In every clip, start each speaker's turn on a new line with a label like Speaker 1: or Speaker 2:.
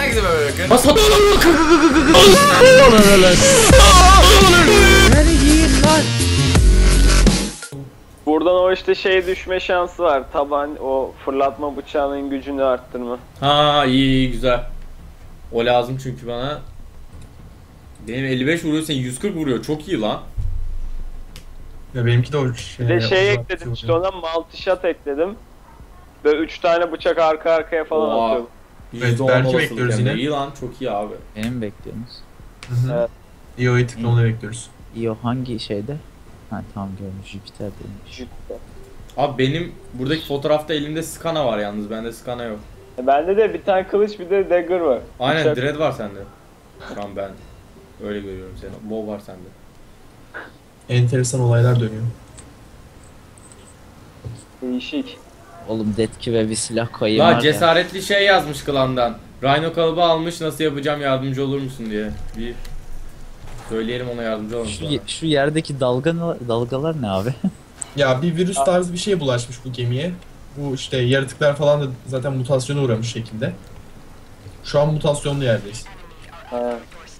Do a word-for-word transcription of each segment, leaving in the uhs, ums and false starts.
Speaker 1: Herkese böyle bakın.
Speaker 2: Bas hadi.
Speaker 3: Buradan o işte şey düşme şansı var. Taban o fırlatma bıçağının gücünü arttırma.
Speaker 2: Ha iyi iyi güzel. O lazım çünkü bana. Benim elli beş vuruyor, sen yüz kırk vuruyor. Çok iyi lan.
Speaker 4: Ya benimki de o şey.
Speaker 3: Bir de şey ekledim işte ona, multi shot ekledim. Böyle üç tane bıçak arka arkaya falan
Speaker 2: Oha.
Speaker 3: atıyorum.
Speaker 4: Evet, belki bekliyoruz yine.
Speaker 2: İyi lan, çok iyi abi.
Speaker 5: Beni mi bekliyorsunuz?
Speaker 4: Hı hı.
Speaker 3: Evet.
Speaker 4: İyi o tıklamını bekliyoruz.
Speaker 5: İyi o hangi şeyde? Ha tamam görmüş Jüpiter'deymiş.
Speaker 2: Abi benim buradaki fotoğrafta elimde skana var yalnız, bende skana yok.
Speaker 3: E bende de bir tane kılıç bir de dagger var.
Speaker 2: Aynen
Speaker 3: Bıçak.
Speaker 2: dread var sende. Şu an ben öyle görüyorum seni. Bow var sende.
Speaker 4: Enteresan olaylar dönüyor.
Speaker 3: Değişik.
Speaker 5: Oğlum Detki ve bir silah koyayım var
Speaker 2: La
Speaker 5: ya.
Speaker 2: cesaretli şey yazmış klandan. Rhino kalıbı almış, nasıl yapacağım, yardımcı olur musun diye. Bir söyleyelim ona, yardımcı olun.
Speaker 5: Şu, ye- şu yerdeki dalga, dalgalar ne abi?
Speaker 4: Ya bir virüs tarzı bir şey bulaşmış bu gemiye. Bu işte yaratıklar falan da zaten mutasyona uğramış şekilde. Şu an mutasyonlu yerdeyiz.
Speaker 3: Ha.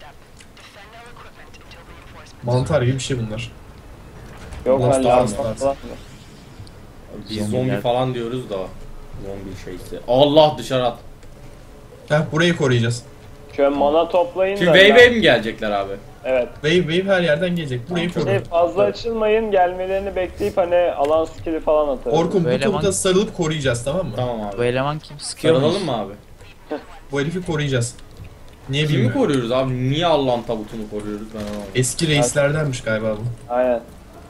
Speaker 4: Mantar gibi bir şey bunlar.
Speaker 3: Yok
Speaker 4: Last
Speaker 3: lan
Speaker 4: of
Speaker 3: lazım
Speaker 4: Us
Speaker 3: falan.
Speaker 4: tarzı.
Speaker 2: Biz
Speaker 5: Zombiler.
Speaker 2: zombi falan diyoruz da. Zombi şeysi. Allah, dışarı at.
Speaker 4: Heh, burayı koruyacağız.
Speaker 3: Şöyle mana toplayın
Speaker 2: Şimdi
Speaker 3: da.
Speaker 2: wave
Speaker 3: ben-
Speaker 2: wave mi gelecekler abi?
Speaker 3: Evet.
Speaker 4: Wave wave her yerden gelecek. Burayı
Speaker 3: Şey,
Speaker 4: koru.
Speaker 3: fazla açılmayın, gelmelerini bekleyip hani alan skill'i falan atarız.
Speaker 4: Orkun bu
Speaker 5: Böyle
Speaker 4: tabuta
Speaker 5: man-
Speaker 4: sarılıp koruyacağız, tamam mı?
Speaker 2: Tamam
Speaker 5: Bu
Speaker 2: abi.
Speaker 5: eleman kim sıkıyor
Speaker 2: Sarılalım mı abi?
Speaker 4: Bu herifi koruyacağız. Niye
Speaker 2: Kimi
Speaker 4: bilmiyorum.
Speaker 2: koruyoruz abi? Niye Allah'ın tabutunu koruyoruz, ben anlamadım.
Speaker 4: Eski reislerdenmiş galiba bu.
Speaker 3: Aynen.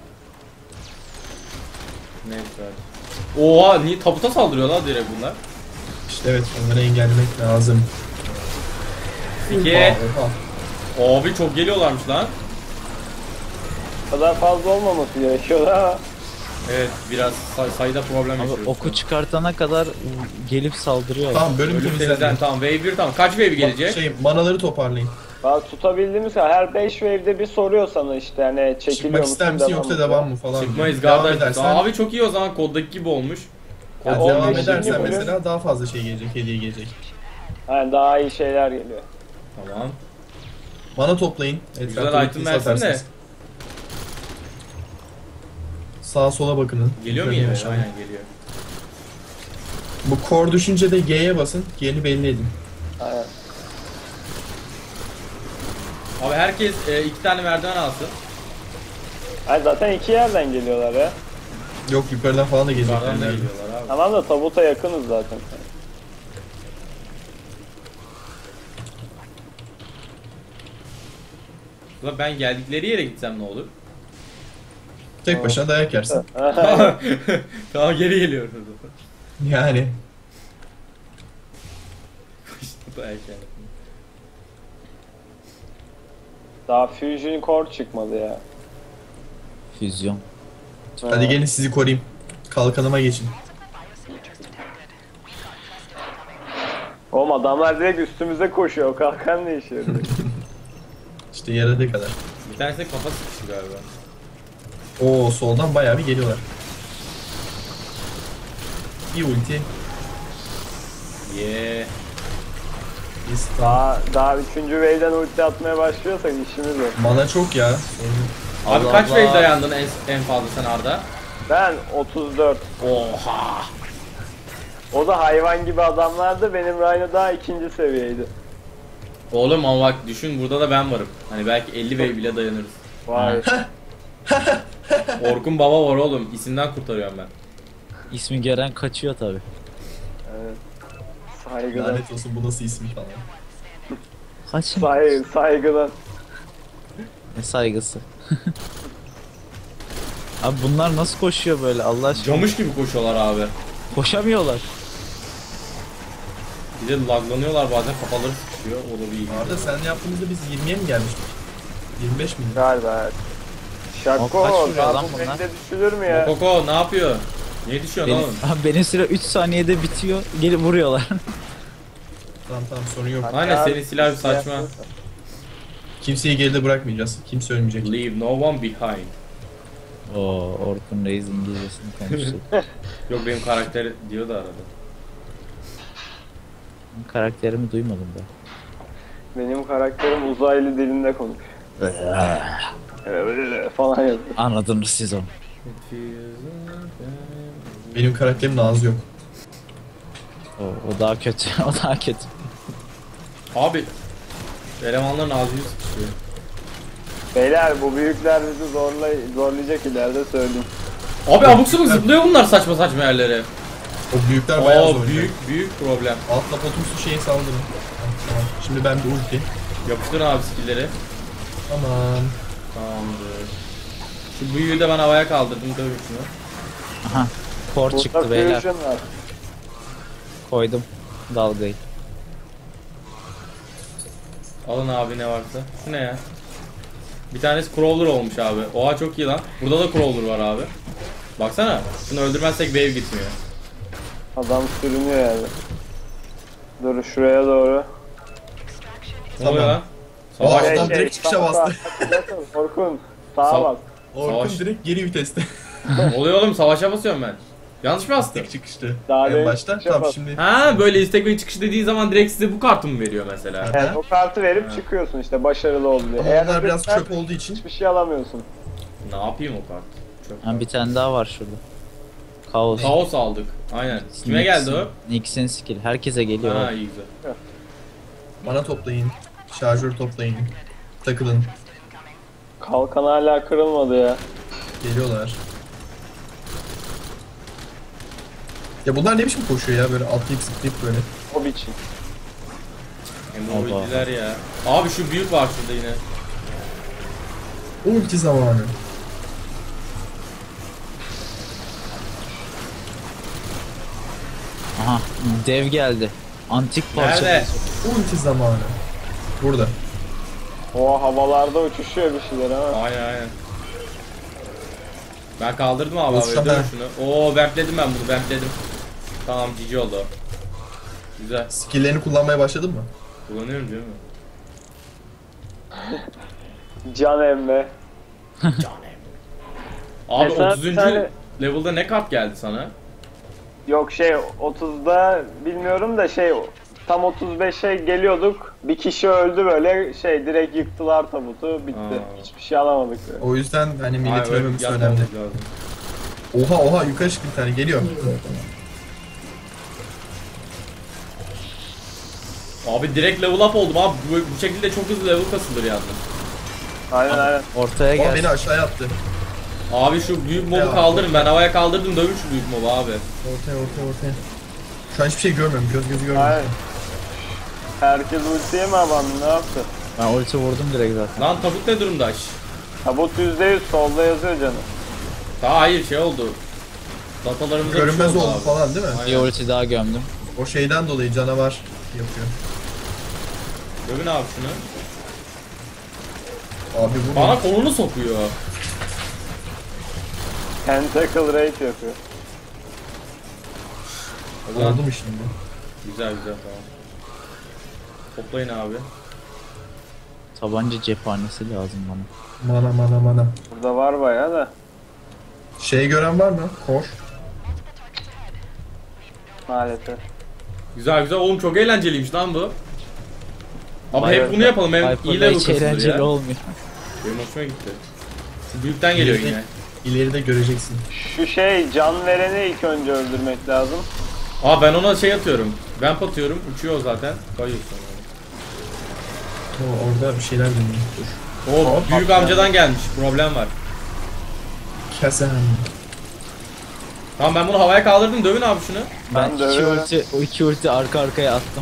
Speaker 2: Neyse hadi. Oha, niye tabuta saldırıyor lan direkt bunlar?
Speaker 4: İşte evet, onları engellemek lazım.
Speaker 2: İki.
Speaker 4: Oha.
Speaker 2: Abi çok geliyorlarmış lan.
Speaker 3: O kadar fazla olmaması gerekiyor ama.
Speaker 2: Evet, biraz say sayıda problem
Speaker 5: Abi
Speaker 2: yaşıyoruz.
Speaker 5: oku çıkartana kadar gelip saldırıyor.
Speaker 4: Tamam, bölüm
Speaker 2: Ölüm
Speaker 4: temizlendi.
Speaker 2: temizlen, tamam wave bir, tamam. Kaç wave gelecek?
Speaker 4: Şey, manaları toparlayın.
Speaker 3: Bak tutabildiğimiz kadar her beş wave'de bir soruyor sana işte hani çekiliyor
Speaker 4: Çıkmak
Speaker 3: musun,
Speaker 4: ister misin
Speaker 3: devam
Speaker 4: yoksa
Speaker 3: mı?
Speaker 4: devam mı falan.
Speaker 2: Çıkmayız
Speaker 4: diyor. Devam
Speaker 2: kardeş.
Speaker 4: edersen,
Speaker 2: Abi çok iyi o zaman, koddaki gibi olmuş. Kod
Speaker 3: Ya
Speaker 4: devam
Speaker 3: on beşinci
Speaker 4: edersen
Speaker 3: bölüm.
Speaker 4: mesela daha fazla şey gelecek, hediye gelecek.
Speaker 3: Aynen, daha iyi şeyler geliyor.
Speaker 2: Tamam.
Speaker 4: Mana toplayın.
Speaker 2: Güzel
Speaker 4: Etrafta
Speaker 2: item
Speaker 4: ultisi
Speaker 2: versene.
Speaker 4: atarsınız. Sağa sola bakının.
Speaker 2: Geliyor mu
Speaker 4: Yukarıya
Speaker 2: yine?
Speaker 4: aşağıya.
Speaker 2: Aynen geliyor.
Speaker 4: Bu core düşünce de G'ye basın. G'ni belli edin.
Speaker 3: Aynen.
Speaker 2: Abi herkes e, iki tane merdiven alsın.
Speaker 3: Hayır, zaten iki yerden geliyorlar ya.
Speaker 4: Yok, yukarıdan falan da gelecekler.
Speaker 2: Yukarıdan da
Speaker 4: nerede?
Speaker 2: geliyorlar abi.
Speaker 3: Tamam da tabuta yakınız zaten.
Speaker 2: Ulan ben geldikleri yere gitsem ne olur?
Speaker 4: Tek başına dayak yersin.
Speaker 2: Tamam, geri geliyoruz.
Speaker 4: Yani.
Speaker 2: İşte erken.
Speaker 3: Daha Fusion Core çıkmadı ya.
Speaker 5: Füzyon.
Speaker 4: Hadi gelin sizi koruyayım. Kalkanıma geçin.
Speaker 3: Oğlum adamlar direkt üstümüze koşuyor, o kalkan ne işe yarıyor?
Speaker 4: İşte yaradığı kadar.
Speaker 2: Bir tanesi de kafa sıkıştı galiba.
Speaker 4: Oo, soldan bayağı bir geliyorlar. Bir ulti.
Speaker 2: Yeah.
Speaker 4: Bir stun.
Speaker 3: Daha, daha üçüncü wave'den ulti atmaya başlıyorsak işimiz yok.
Speaker 4: Mana çok ya.
Speaker 2: Abi
Speaker 5: Allah
Speaker 2: kaç
Speaker 5: Allah.
Speaker 2: wave dayandın en, en fazla sen Arda?
Speaker 3: Ben otuz dört.
Speaker 2: Oha.
Speaker 3: O da hayvan gibi adamlardı, benim Rhino daha ikinci seviyeydi.
Speaker 2: Oğlum ama bak düşün, burada da ben varım. Hani belki elli wave bile dayanırız.
Speaker 3: Vay.
Speaker 2: Orkun baba var oğlum. İsimden kurtarıyorum ben.
Speaker 5: İsmi gören kaçıyor tabi.
Speaker 3: Evet. Saygıdan.
Speaker 4: Lanet olsun, bu nasıl ismi falan.
Speaker 5: Kaç?
Speaker 3: Say saygıdan.
Speaker 5: Ne saygısı. Abi bunlar nasıl koşuyor böyle Allah aşkına?
Speaker 2: Camış gibi koşuyorlar abi.
Speaker 5: Koşamıyorlar.
Speaker 2: Bir de laglanıyorlar bazen, kafaları sıkışıyor. O da bir iyi.
Speaker 4: Arada sen yaptığımızda biz yirmiye mi gelmiştik? yirmi beş miydi?
Speaker 3: Galiba evet.
Speaker 5: Ama
Speaker 3: Şako,
Speaker 5: kaç vuruyor
Speaker 3: daha
Speaker 5: lan
Speaker 3: bu
Speaker 5: bunlar?
Speaker 3: wave'de düşülür mü ya?
Speaker 2: Koko ne yapıyor? Niye düşüyorsun
Speaker 5: Benim,
Speaker 2: oğlum?
Speaker 5: abi benim süre üç saniyede bitiyor. Gelip vuruyorlar.
Speaker 4: Tamam tamam, sorun yok.
Speaker 2: Aynen, senin silah bir saçma.
Speaker 4: Kimseyi geride bırakmayacağız. Kimse ölmeyecek.
Speaker 2: Leave no one behind.
Speaker 5: Oo, Orkun Reis İngilizcesini konuştu.
Speaker 2: Yok, benim karakter diyor da arada.
Speaker 5: Karakterimi duymadım ben.
Speaker 3: Benim karakterim uzaylı dilinde konuşuyor. falan yazıyor.
Speaker 5: Anladınız siz onu.
Speaker 4: Benim karakterimin ağzı yok.
Speaker 5: O, o daha kötü. O daha kötü.
Speaker 2: Abi elemanların ağzını sıkışıyor.
Speaker 3: Beyler bu büyükler bizi zorlay zorlayacak ileride söyleyeyim.
Speaker 2: Abi abuk sabuk zıplıyor bunlar saçma saçma yerlere.
Speaker 4: O büyükler bayağı
Speaker 2: Oo
Speaker 4: zor.
Speaker 2: büyük büyük problem.
Speaker 4: Altla potumsu şeye saldırın. Tamam. Şimdi ben bir ulti.
Speaker 2: Yapıştırın abi skill'leri.
Speaker 4: Tamam.
Speaker 2: Tamamdır. Şu büyüğü de ben havaya kaldırdım tabii şunu.
Speaker 5: Aha. Kor
Speaker 3: Burada
Speaker 5: çıktı beyler.
Speaker 3: fusion var.
Speaker 5: Koydum dalgayı.
Speaker 2: Alın abi ne varsa. Şu ne ya? Bir tanesi crawler olmuş abi. Oha çok iyi lan. Burada da crawler var abi. Baksana. Şunu öldürmezsek wave gitmiyor.
Speaker 3: Adam sürünüyor yani. Dur şuraya doğru.
Speaker 2: Ne oluyor lan?
Speaker 4: O
Speaker 2: Savaş.
Speaker 4: adam direkt çıkışa
Speaker 3: sağa-
Speaker 4: bastı.
Speaker 3: sağa- Orkun sağa
Speaker 2: Sağ-
Speaker 3: bak.
Speaker 4: Orkun
Speaker 2: Savaş.
Speaker 4: direkt geri viteste.
Speaker 2: Ne oluyor oğlum? Savaşa basıyorum ben. Yanlış mı bastım?
Speaker 4: Tek çıkıştı.
Speaker 3: Daha
Speaker 4: En
Speaker 3: demin
Speaker 4: başta.
Speaker 3: çıkışa
Speaker 4: Tamam
Speaker 3: bas.
Speaker 4: şimdi.
Speaker 2: Ha böyle istek ve çıkış dediği zaman direkt size bu kartı mı veriyor mesela?
Speaker 3: Yani o kartı verip çıkıyorsun işte başarılı oldu diye.
Speaker 4: Ama
Speaker 3: Eğer
Speaker 4: onlar biraz
Speaker 3: öbürler
Speaker 4: çöp olduğu için.
Speaker 3: hiçbir şey alamıyorsun.
Speaker 2: Ne yapayım o kart? Çok
Speaker 5: Ha, bir tane daha var şurada. Kaos.
Speaker 2: Kaos aldık. Aynen. Kime geldi o?
Speaker 5: Nix'in skill. Herkese geliyor.
Speaker 2: Ha
Speaker 5: abi.
Speaker 2: iyi güzel.
Speaker 4: Bana toplayın. Şarjör toplayın. Takılın.
Speaker 3: Kalkan hala kırılmadı ya.
Speaker 4: Geliyorlar. Ya bunlar ne biçim koşuyor ya böyle atlayıp zıplayıp böyle.
Speaker 3: O biçim.
Speaker 2: Emojiciler ya. Abi şu büyük var şurada yine.
Speaker 4: Ulti zamanı.
Speaker 5: Aha. Dev geldi. Antik parça.
Speaker 2: Nerede?
Speaker 4: Ulti zamanı. Burada.
Speaker 3: O havalarda uçuşuyor bir şeyler ama.
Speaker 2: Aynen aynen. Ben kaldırdım abi abi
Speaker 4: Uçsana.
Speaker 2: öldürün şunu. Oo backledim ben bunu backledim. Tamam cici oldu. o. Güzel.
Speaker 4: Skill'lerini kullanmaya başladın mı?
Speaker 2: Kullanıyorum değil mi?
Speaker 3: Can emme.
Speaker 2: Abi
Speaker 3: Mesela bir
Speaker 2: otuzuncu
Speaker 3: tane-
Speaker 2: level'da ne kart geldi sana?
Speaker 3: Yok şey otuzda bilmiyorum da şey tam otuz beşe geliyorduk. Bir kişi öldü böyle şey direkt yıktılar tabutu bitti.
Speaker 2: Aa.
Speaker 3: Hiçbir şey alamadık böyle.
Speaker 4: O yüzden hani
Speaker 2: Ay,
Speaker 4: milletin
Speaker 2: öyle
Speaker 4: ölmemesi
Speaker 2: yapmamız
Speaker 4: önemli.
Speaker 2: lazım.
Speaker 4: Oha oha yukarı çıktı bir tane geliyor.
Speaker 2: Abi direkt level up oldum abi. Bu, bu şekilde çok hızlı level kasılır yalnız.
Speaker 3: Aynen aynen.
Speaker 5: Ortaya
Speaker 4: Ama
Speaker 5: gel.
Speaker 4: beni aşağıya attı.
Speaker 2: Abi şu büyük mobu
Speaker 4: Ya.
Speaker 2: kaldırın. Ben havaya kaldırdım dövün şu büyük mobu abi.
Speaker 4: Ortaya ortaya ortaya. Şu an hiçbir şey görmüyorum. Göz gözü görmüyorum.
Speaker 3: Aynen. Herkes ultiye mi abandı ne yaptı?
Speaker 5: Ben ulti vurdum direkt zaten.
Speaker 2: Lan tabut ne durumda? Şş.
Speaker 3: Tabut yüzde yüz solda yazıyor canım.
Speaker 2: Daha hayır şey oldu. Datalarımıza bir şey
Speaker 4: Görünmez oldu
Speaker 2: abi.
Speaker 4: falan değil mi?
Speaker 2: Aynen.
Speaker 5: Bir ulti daha gömdüm.
Speaker 4: O şeyden dolayı canavar yapıyor.
Speaker 2: Dövün abi şunu.
Speaker 4: Abi bu
Speaker 2: Bana kolunu sokuyor.
Speaker 3: Tentacle rate yapıyor.
Speaker 2: O zaman
Speaker 4: oldu mu şimdi?
Speaker 2: güzel güzel tamam. Toplayın abi.
Speaker 5: Tabanca cephanesi lazım bana.
Speaker 4: Mana mana mana.
Speaker 3: Burada var bayağı da.
Speaker 4: Şey gören var mı? Kor.
Speaker 3: Maalesef.
Speaker 2: Güzel güzel oğlum çok eğlenceliymiş lan bu. Abi
Speaker 3: Bayağı
Speaker 2: hep bunu yapalım hem iyi
Speaker 5: Hyper'da
Speaker 2: level
Speaker 5: hiç
Speaker 2: kasılır
Speaker 5: eğlenceli
Speaker 2: ya.
Speaker 5: olmuyor.
Speaker 2: Benim hoşuma gitti. Şu büyükten geliyor
Speaker 4: İleride-
Speaker 2: yine.
Speaker 4: İleride göreceksin.
Speaker 3: Şu şey can vereni ilk önce öldürmek lazım.
Speaker 2: Aa ben ona şey atıyorum. Vamp atıyorum uçuyor zaten. Kayıyor sonra.
Speaker 4: O orada bir şeyler dönüyor. Dur.
Speaker 2: O
Speaker 4: Hop,
Speaker 2: büyük
Speaker 4: hop.
Speaker 2: amcadan gelmiş. Problem var.
Speaker 4: Kesem.
Speaker 2: Tamam ben bunu havaya kaldırdım. Dövün abi şunu.
Speaker 5: Ben
Speaker 3: Ben de
Speaker 5: iki
Speaker 3: öyle.
Speaker 5: ulti, o iki ulti arka arkaya attım.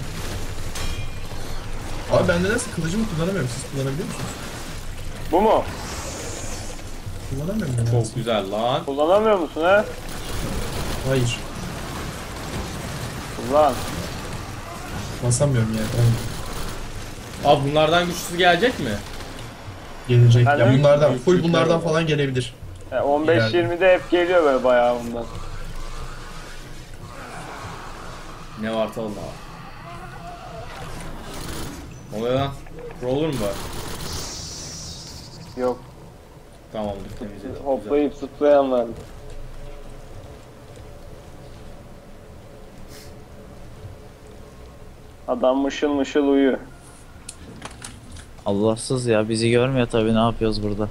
Speaker 4: Abi ben nedense kılıcımı kullanamıyorum. Siz kullanabiliyor musunuz?
Speaker 3: Bu mu?
Speaker 4: Kullanamıyorum nedense.
Speaker 2: Çok güzel lan.
Speaker 3: Kullanamıyor musun he?
Speaker 4: Hayır.
Speaker 3: Kullan.
Speaker 4: Basamıyorum yani. Olmuyor.
Speaker 2: Abi bunlardan güçlüsü gelecek mi?
Speaker 4: Gelecek.
Speaker 3: Ben
Speaker 4: Ya
Speaker 3: de-
Speaker 4: bunlardan, full
Speaker 2: Büyük
Speaker 4: bunlardan
Speaker 2: yükler
Speaker 4: falan gelebilir.
Speaker 3: E, on beş yirmide hep geliyor böyle bayağı bundan.
Speaker 2: Ne var talma abi. Ne oluyor lan? Roller mu var?
Speaker 3: Yok.
Speaker 2: Tamamdır temizledik. Güzel.
Speaker 3: Hoplayıp zıplayan var. Adam mışıl mışıl uyuyor.
Speaker 5: Allahsız ya, bizi görmüyor tabii, ne yapıyoruz burada.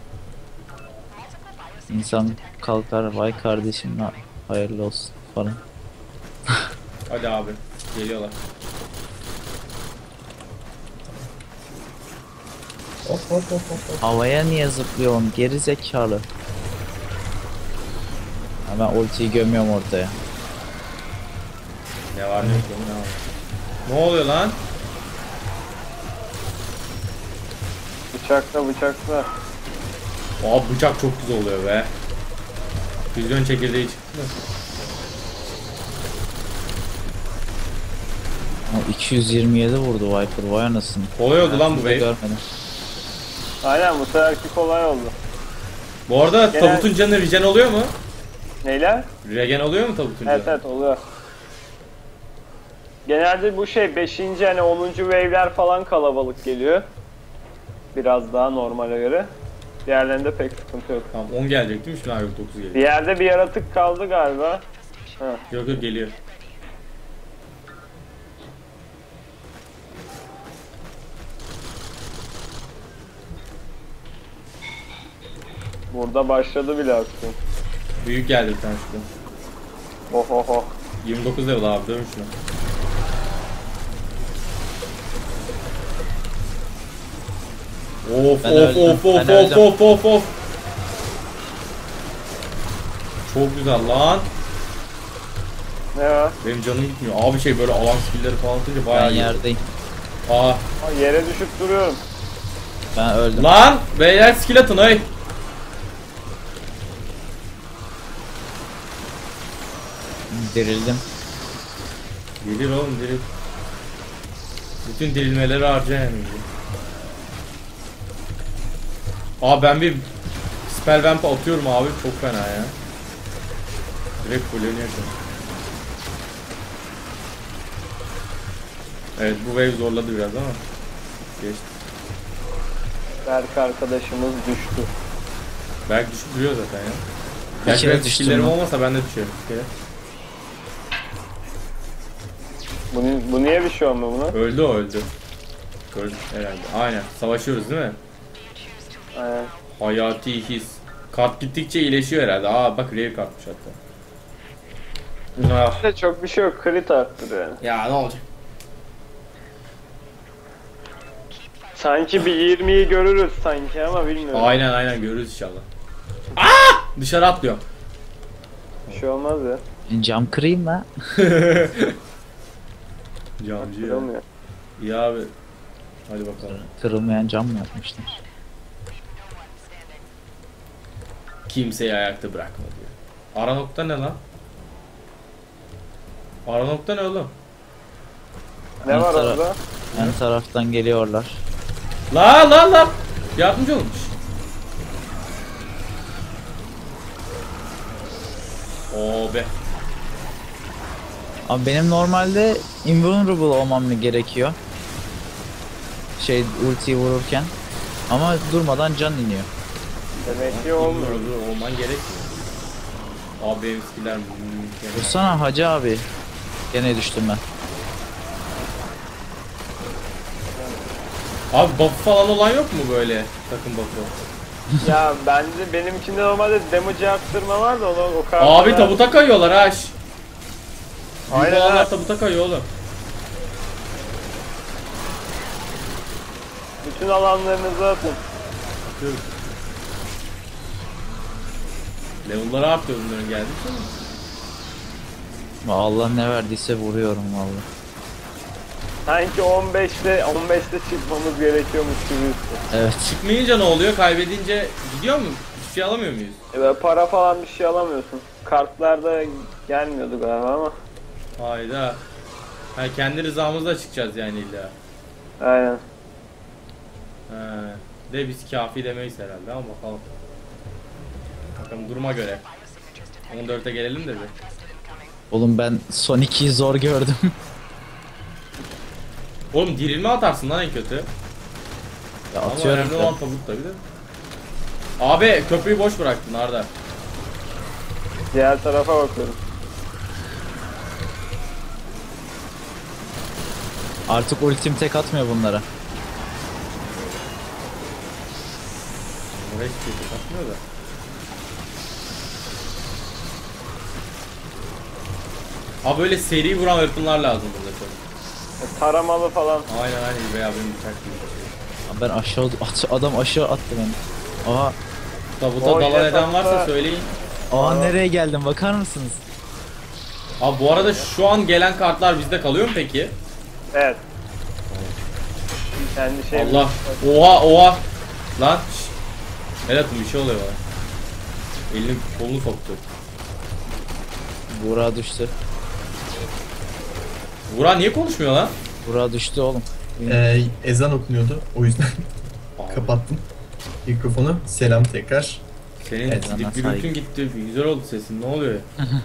Speaker 5: İnsan kalkar, vay kardeşim ha- hayırlı olsun falan.
Speaker 2: Hadi abi. Geliyorlar.
Speaker 4: Hop hop hop hop. hop.
Speaker 5: Havaya niye zıplıyorsun geri zekalı? Hemen ultiyi gömüyorum ortaya.
Speaker 2: Ne var ne yok ne var. Ne oluyor lan?
Speaker 3: Bıçakla bıçakla.
Speaker 2: Aa bıçak çok güzel oluyor be. Füzyon çekirdeği çıktı mı?
Speaker 5: O iki yüz yirmi yedi vurdu Viper, vay anasını.
Speaker 2: Kolay oldu lan bu
Speaker 5: Hayatımda
Speaker 2: wave.
Speaker 5: görmedim.
Speaker 3: Aynen, bu seferki kolay oldu.
Speaker 2: Bu arada
Speaker 3: Genel-
Speaker 2: tabutun canı regen oluyor mu?
Speaker 3: Neyler?
Speaker 2: Regen oluyor mu tabutun canı?
Speaker 3: Evet evet oluyor. Genelde bu şey beşinci hani onuncu wave'ler falan kalabalık geliyor. Biraz daha normale göre. Diğerlerinde pek sıkıntı yok.
Speaker 2: Tamam on gelecek değil mi? Şimdi abi dokuz
Speaker 3: Bir
Speaker 2: geliyor.
Speaker 3: yerde bir yaratık kaldı galiba. Ha.
Speaker 2: Yok yok geliyor.
Speaker 3: Burada başladı bile aksiyon.
Speaker 2: Büyük geldi bir tane şurada.
Speaker 3: Oh oh oh.
Speaker 2: yirmi dokuz level abi dövün şunu. Of
Speaker 5: Ben
Speaker 2: of
Speaker 5: öldüm,
Speaker 2: of of
Speaker 5: ben
Speaker 2: of
Speaker 5: öldüm.
Speaker 2: of of of. Çok güzel lan.
Speaker 3: Ne var?
Speaker 2: Benim canım gitmiyor. Abi şey böyle alan skill'leri falan atınca bayağı
Speaker 5: Ben
Speaker 2: iyi.
Speaker 5: yerdeyim.
Speaker 2: Aa.
Speaker 3: Aa, yere düşüp duruyorum.
Speaker 5: Ben öldüm.
Speaker 2: Lan beyler skill atın ay.
Speaker 5: Dirildim.
Speaker 2: Gelir oğlum diril. Bütün dirilmeleri harca yani. Aa ben bir spell vamp atıyorum abi çok fena ya. Direkt fulleniyor şu an. Evet bu wave zorladı biraz ama geçti.
Speaker 3: Berk arkadaşımız düştü.
Speaker 2: Belki düşüp duruyor zaten ya.
Speaker 5: Bir
Speaker 2: Gerçi
Speaker 5: kere
Speaker 2: benim
Speaker 5: düştüm
Speaker 2: skill'lerim
Speaker 5: lan.
Speaker 2: olmasa ben de düşerim. Bir kere.
Speaker 3: Bu, ni- bu niye bir şey olmuyor buna?
Speaker 2: Öldü o öldü. Gördüm herhalde. Aynen. Savaşıyoruz değil mi?
Speaker 3: Aynen.
Speaker 2: Hayati his. Kart gittikçe iyileşiyor herhalde. Aa bak rare kartmış hatta. Ah.
Speaker 3: İşte çok bir şey yok. Crit arttırıyor yani.
Speaker 2: Ya ne olacak?
Speaker 3: Sanki bir yirmiyi görürüz sanki ama bilmiyorum.
Speaker 2: Aynen aynen görürüz inşallah. Aa! Dışarı atlıyor.
Speaker 3: Bir şey olmaz ya.
Speaker 5: Cam kırayım mı?
Speaker 2: Camcı ya.
Speaker 3: Kırılmıyor.
Speaker 2: İyi abi. Hadi bakalım.
Speaker 5: Kırılmayan cam mı yapmışlar?
Speaker 2: Kimseyi ayakta bırakma diyor. Ara nokta ne lan? Ara nokta ne oğlum?
Speaker 3: Ne
Speaker 5: Ön
Speaker 3: var
Speaker 5: tara-
Speaker 3: orada?
Speaker 5: Ön taraftan geliyorlar.
Speaker 2: La la la. Yardımcı olmuş. Oo be.
Speaker 5: Abi benim normalde invulnerable olmam mı gerekiyor? Şey ultiyi vururken. Ama durmadan can iniyor.
Speaker 3: Demek ki olmuyor.
Speaker 2: Olmuyor. Olman gerekmiyor. Abi benim skiller mükemmel.
Speaker 5: Vursana hacı abi. Gene düştüm ben.
Speaker 2: Abi buff falan olan yok mu böyle takım buff'ı?
Speaker 3: Ya bence benimkinde normalde damage arttırma var da onu o kadar.
Speaker 2: Abi tabuta kayıyorlar ha. şş. Büyük
Speaker 3: Aynen
Speaker 2: olanlar
Speaker 3: ha.
Speaker 2: tabuta kayıyor oğlum.
Speaker 3: Bütün alanlarınızı atın.
Speaker 2: Atıyorum. Level'ları artıyor bunların geldikçe mi?
Speaker 5: Allah ne verdiyse vuruyorum vallahi.
Speaker 3: Sanki on beşte on beşte çıkmamız gerekiyormuş gibi.
Speaker 5: Evet.
Speaker 2: Çıkmayınca ne oluyor? Kaybedince gidiyor mu? Hiçbir şey alamıyor muyuz?
Speaker 3: E böyle para falan bir şey alamıyorsun. Kartlarda gelmiyordu galiba ama.
Speaker 2: Hayda. Ha kendi rızamızla çıkacağız yani illa.
Speaker 3: Aynen.
Speaker 2: Ha. De biz kafi demeyiz herhalde ama bakalım. Bakalım duruma göre. on dörtte gelelim de bir.
Speaker 5: Oğlum ben son ikiyi zor gördüm.
Speaker 2: Oğlum dirilme atarsın lan en kötü.
Speaker 5: Ya
Speaker 2: Ama
Speaker 5: atıyorum
Speaker 2: önemli
Speaker 5: da.
Speaker 2: olan tabut tabi de. Abi köprüyü boş bıraktın Arda.
Speaker 3: Diğer tarafa bakıyorum.
Speaker 5: Artık ultim tek atmıyor bunlara.
Speaker 2: Oraya hiçbir şey takmıyor da. Abi böyle seri vuran weaponlar lazım burada çok.
Speaker 3: E, taramalı falan.
Speaker 2: Aynen aynen veya benim bıçak gibi bir şey.
Speaker 5: Ben aşağı at- adam aşağı attı beni. Aha,
Speaker 2: Tabuta
Speaker 3: O
Speaker 2: dalan eden varsa
Speaker 3: yatakta-
Speaker 2: söyleyin.
Speaker 5: aha nereye geldim bakar mısınız?
Speaker 2: Abi bu arada şu an gelen kartlar bizde kalıyor mu peki?
Speaker 3: Evet. Kendi şey.
Speaker 2: Allah. Oha oha. Lan. şşt. El atın bir şey oluyor bana. Elini kolunu soktu.
Speaker 5: Buğra düştü.
Speaker 2: Vuran niye konuşmuyor lan?
Speaker 5: Buğra düştü oğlum.
Speaker 4: Ee, ezan okunuyordu. O yüzden
Speaker 2: Abi,
Speaker 4: kapattım mikrofonu. Selam tekrar.
Speaker 2: senin
Speaker 4: Evet,
Speaker 5: bana
Speaker 2: gürültün
Speaker 5: saygı.
Speaker 2: gitti. Güzel oldu sesin. Ne oluyor?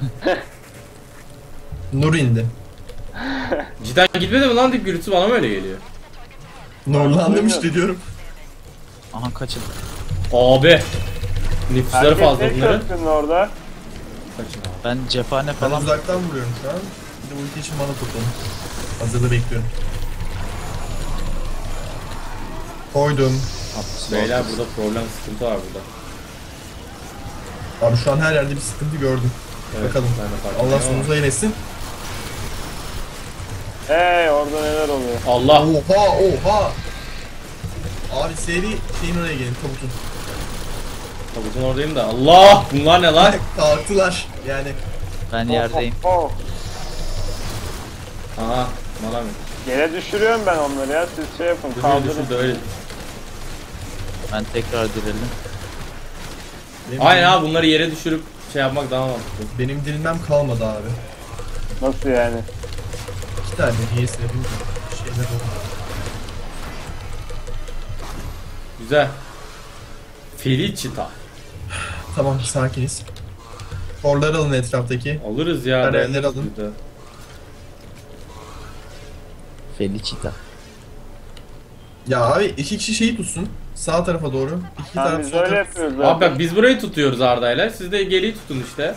Speaker 4: Nur indi.
Speaker 2: Cidden gitmedi mi lan dip gürültüsü bana mı öyle geliyor?
Speaker 4: Nurlandım işte diyorum.
Speaker 5: Aha kaçın.
Speaker 2: Abi. Nüfusları
Speaker 3: Herkes
Speaker 2: fazla
Speaker 3: ne
Speaker 2: bunların.
Speaker 3: köprünün orada?
Speaker 2: Kaçın abi.
Speaker 5: Ben cephane
Speaker 4: Ben
Speaker 5: falan
Speaker 4: uzaktan vuruyorum şu an. Bir de ulti için bana topladım. Hazırda bekliyorum. Koydum.
Speaker 5: Hapus
Speaker 2: Beyler
Speaker 5: oldu.
Speaker 2: burada problem sıkıntı var burada.
Speaker 4: Abi şu an her yerde bir sıkıntı gördüm.
Speaker 2: Evet,
Speaker 4: Bakalım.
Speaker 2: ben de fark
Speaker 4: Allah
Speaker 2: ediyorum
Speaker 4: sonunuzu eylesin.
Speaker 3: Hey orada neler oluyor?
Speaker 2: ama- Allah.
Speaker 4: Oha oha. Abi seri şeyin oraya gelin tabutun.
Speaker 2: Tabutun oradayım da. Allah. Bunlar ne lan?
Speaker 4: Kalktılar yani.
Speaker 5: Ben yerdeyim.
Speaker 3: Oh, oh, oh.
Speaker 2: Aha. Bana mı?
Speaker 3: Yere düşürüyorum ben onları ya. Siz şey yapın.
Speaker 2: Düşür
Speaker 3: Kaldırın.
Speaker 2: düşür de öyle.
Speaker 5: Ben tekrar dirildim.
Speaker 4: Benim,
Speaker 2: Aynen abi bunları yere düşürüp şey yapmak daha mantıklı.
Speaker 4: Benim dirilmem kalmadı abi.
Speaker 3: Nasıl yani?
Speaker 4: İki tane niyeyse bilmiyorum. Şeyler oldu.
Speaker 2: Güzel. Felicita.
Speaker 4: Tamam sakiniz. Korları alın etraftaki.
Speaker 2: Alırız ya.
Speaker 4: Hadi
Speaker 2: dayanırız
Speaker 4: eller alın.
Speaker 2: burada.
Speaker 5: Felicita.
Speaker 4: Ya abi iki kişi şeyi tutsun. Sağ tarafa doğru. İki
Speaker 3: Ha,
Speaker 4: taraf
Speaker 3: biz
Speaker 4: sol
Speaker 3: öyle
Speaker 4: taraf.
Speaker 3: yapıyoruz
Speaker 2: Abi
Speaker 3: zaten.
Speaker 2: bak biz burayı tutuyoruz Arda'yla. Siz de geriyi tutun işte.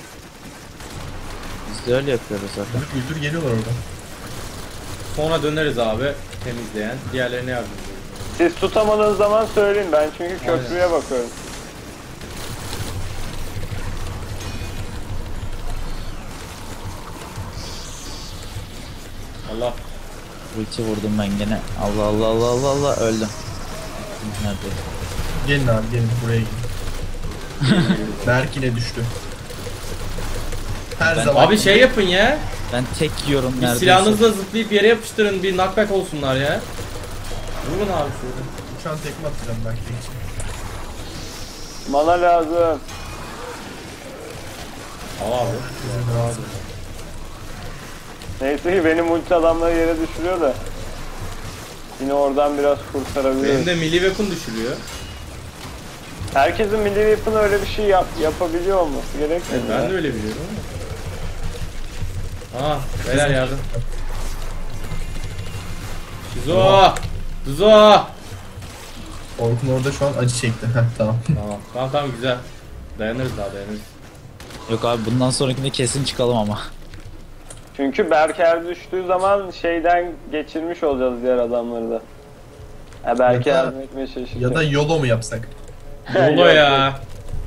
Speaker 5: Biz de öyle yapıyoruz zaten.
Speaker 4: Güldür güldür geliyorlar orada.
Speaker 2: Sonra döneriz abi temizleyen. Diğerlerine yardım ediyoruz.
Speaker 3: Siz tutamadığınız zaman söyleyin. Ben çünkü köprüye bakıyorum.
Speaker 2: Allah.
Speaker 5: Ulti vurdum ben gene. Allah Allah Allah Allah Allah öldüm. Nerede?
Speaker 4: Gelin abi gelin buraya gelin. Berk yine düştü. Her
Speaker 5: Ben-
Speaker 4: zaman.
Speaker 2: Abi şey yapın ya.
Speaker 5: Ben tek yiyorum
Speaker 2: Bir
Speaker 5: neredeyse.
Speaker 2: silahınızla zıplayıp yere yapıştırın. Bir knockback olsunlar ya. Vurun abi şurada.
Speaker 4: Uçan tekme atacağım Berk için.
Speaker 3: Mana lazım.
Speaker 2: Al abi.
Speaker 4: Bizim lazım.
Speaker 3: Neyse ki benim ulti adamları yere düşürüyor da. Yine oradan biraz kurtarabiliriz.
Speaker 2: Benim de milli weapon düşürüyor.
Speaker 3: Herkesin milli weapon öyle bir şey yap yapabiliyor olması gerekmiyor.
Speaker 2: Evet, ben de öyle biliyorum ama. Aa, beyler yardım. Şizo! Şizo!
Speaker 4: Orkun orada şu an acı çekti. Heh tamam.
Speaker 2: Tamam, tamam tamam güzel. Dayanırız daha dayanırız.
Speaker 5: Yok abi bundan sonrakinde kesin çıkalım ama.
Speaker 3: Çünkü Berker düştüğü zaman şeyden geçirmiş olacağız diğer adamları da. Ha, belki
Speaker 4: Ya da-
Speaker 3: yardım etmeye çalışacağız.
Speaker 4: Ya da YOLO mu yapsak?
Speaker 2: Yolo
Speaker 3: Yok,
Speaker 2: ya.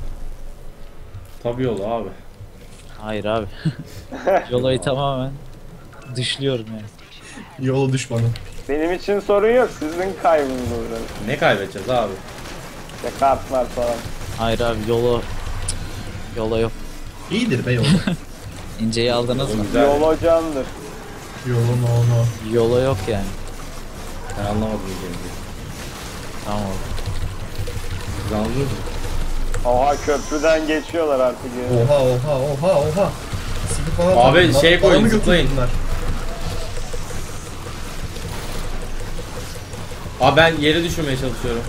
Speaker 2: Tabii yolu abi.
Speaker 5: Hayır abi. Yolayı tamamen dışlıyorum yani.
Speaker 4: YOLO düşmanı.
Speaker 3: Benim için sorun yok. Sizin kaybınız olur.
Speaker 2: Ne kaybedeceğiz abi?
Speaker 3: İşte kartlar falan.
Speaker 5: Hayır abi yolu... Yola yok.
Speaker 4: İyidir be YOLO.
Speaker 5: İnceyi aldınız mı?
Speaker 2: Güzel.
Speaker 3: Yol hocandır.
Speaker 4: YOLO no no.
Speaker 5: Yola yok yani.
Speaker 2: Ben anlamadım diyeceğimi.
Speaker 5: Tamam oldu.
Speaker 2: Siz anladınız mı?
Speaker 3: Oha köprüden geçiyorlar artık. Yani.
Speaker 4: Oha oha oha oha. Sıkı falan
Speaker 2: Abi,
Speaker 4: takın.
Speaker 2: şey
Speaker 4: Bana-
Speaker 2: koyun,
Speaker 4: bana mı götürdün
Speaker 2: zıplayın.
Speaker 4: bunlar?
Speaker 2: Abi ben yere düşürmeye çalışıyorum.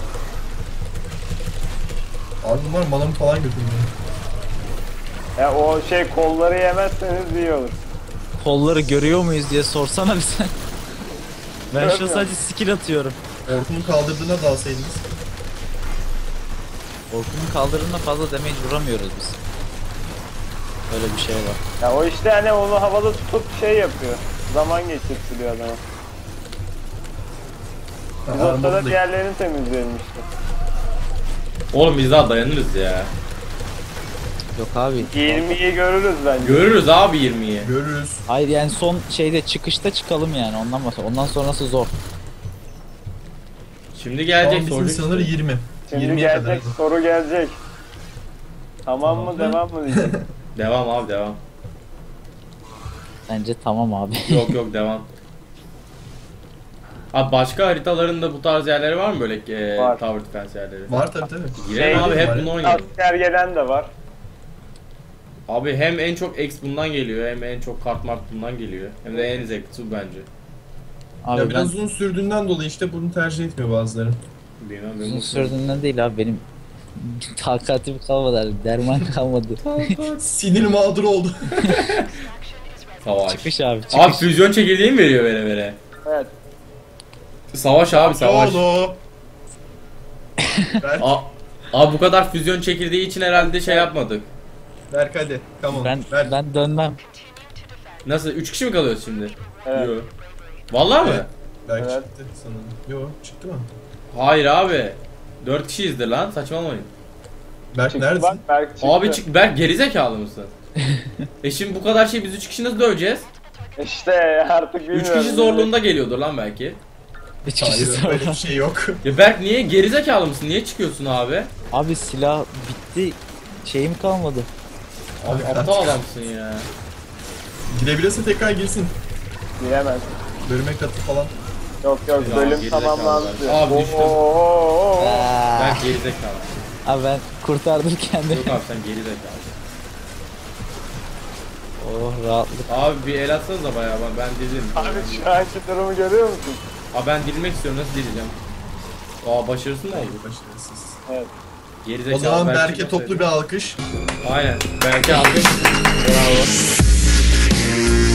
Speaker 4: Abi bunlar manamı falan götürmüyor.
Speaker 3: Ya o şey kolları yemezseniz iyi olur.
Speaker 5: Kolları görüyor muyuz diye sorsana bize. Ben şu an
Speaker 3: Görmüyorum.
Speaker 5: sadece skill atıyorum.
Speaker 4: Orkun'un kaldırdığına dalsaydınız.
Speaker 5: Orkun'un kaldırımına fazla damage vuramıyoruz biz. Öyle bir şey var.
Speaker 3: Ya o işte hani onu havada tutup şey yapıyor. Zaman geçirtiliyor adama. Biz
Speaker 4: Ha,
Speaker 3: ortada
Speaker 4: armor'u da-
Speaker 3: diğerlerini temizleyelim işte.
Speaker 2: Oğlum biz daha dayanırız ya.
Speaker 5: Yok abi.
Speaker 3: yirmiyi görürüz bence.
Speaker 2: Görürüz abi yirmiyi.
Speaker 4: Görürüz.
Speaker 5: Hayır yani son şeyde çıkışta çıkalım yani ondan bahsediyorum. Ondan sonrası zor.
Speaker 2: Şimdi
Speaker 4: Şu an
Speaker 2: gelecek
Speaker 4: bizim
Speaker 2: soracak.
Speaker 4: sınır
Speaker 2: işte.
Speaker 4: yirmi.
Speaker 3: Şimdi
Speaker 4: yirmiye kadar.
Speaker 3: gelecek, soru gelecek. Tamam mı,
Speaker 4: Tamam.
Speaker 3: devam mı diyecek?
Speaker 2: Devam abi devam.
Speaker 5: Bence tamam abi.
Speaker 2: Yok yok devam. Abi başka haritalarında bu tarz yerleri var mı böyle e,
Speaker 3: Var.
Speaker 2: Tower Defense yerleri?
Speaker 4: Var tabii tabii.
Speaker 2: Girelim
Speaker 3: Şey
Speaker 2: abi hep
Speaker 4: var.
Speaker 2: bunu oynayalım.
Speaker 3: Asker gelen de var.
Speaker 2: Abi hem en çok X bundan geliyor hem en çok kart mart bundan geliyor. Hem de en zevklisi bu bence.
Speaker 5: Abi
Speaker 4: ya
Speaker 5: ben
Speaker 4: biraz uzun sürdüğünden dolayı işte bunu tercih etmiyor bazıları.
Speaker 2: Bilmem ben
Speaker 5: uzun
Speaker 2: bu
Speaker 5: sürdüğünden değil abi benim takatim kalmadı abi. Derman kalmadı.
Speaker 4: Sinir mağdur oldu.
Speaker 2: Savaş.
Speaker 5: Çıkış abi çıkış.
Speaker 2: Abi füzyon çekirdeği mi veriyor vere vere?
Speaker 3: Evet.
Speaker 2: Savaş abi savaş.
Speaker 4: Yolo. Berk,
Speaker 2: A- abi bu kadar füzyon çekirdeği için herhalde şey yapmadık.
Speaker 4: Berk hadi. Come on.
Speaker 5: Ben
Speaker 4: Berk.
Speaker 5: ben dönmem.
Speaker 2: Nasıl? üç kişi mi kalıyoruz şimdi?
Speaker 3: Evet.
Speaker 2: Yo. Vallahi mı?
Speaker 4: Evet. Berk
Speaker 3: Evet.
Speaker 4: çıktı sanırım. Yo çıktı mı?
Speaker 2: Hayır abi. dört kişiyizdir lan saçmalamayın.
Speaker 4: Berk
Speaker 3: Çıktı
Speaker 4: neredesin?
Speaker 3: bak, Berk çıktı.
Speaker 2: Abi çık Berk gerizekalı mısın? e şimdi bu kadar şey biz üç kişi nasıl döveceğiz?
Speaker 3: İşte artık bilmiyorum.
Speaker 2: üç kişi zorluğunda geliyordur lan belki.
Speaker 5: Üç kişi
Speaker 4: Hayır öyle
Speaker 5: sonra.
Speaker 4: bir şey yok.
Speaker 2: Ya Berk niye gerizekalı mısın? Niye çıkıyorsun abi?
Speaker 5: Abi silah bitti. Şeyim kalmadı.
Speaker 2: Abi
Speaker 4: Abi,
Speaker 2: aptal adamsın ya.
Speaker 4: Girebilirse tekrar girsin.
Speaker 3: Giremez.
Speaker 4: Bölüme katı falan.
Speaker 3: Yok yok,
Speaker 2: Ya,
Speaker 3: bölüm
Speaker 2: gerizekalı
Speaker 3: tamamlandı.
Speaker 2: var. Abi düştüm.
Speaker 3: Oo.
Speaker 5: Aa,
Speaker 2: Berk gerizekalı.
Speaker 5: abi ben kurtardım kendimi.
Speaker 2: Yok abi sen gerizekalı.
Speaker 5: Oh rahatlık.
Speaker 2: Abi bir el atsanıza bayağı ben, ben dilim.
Speaker 3: Abi şu anki durumu görüyor musun?
Speaker 2: Abi ben dilmek istiyorum nasıl dileceğim? Aa başarısın mı oldu?
Speaker 4: Başarısız.
Speaker 3: Evet.
Speaker 2: Gerizekalı.
Speaker 4: O zaman
Speaker 2: Berk'i
Speaker 4: Berk'e
Speaker 2: nasıl
Speaker 4: toplu bir alkış.
Speaker 2: Aynen. Berk'e alkış. Bravo.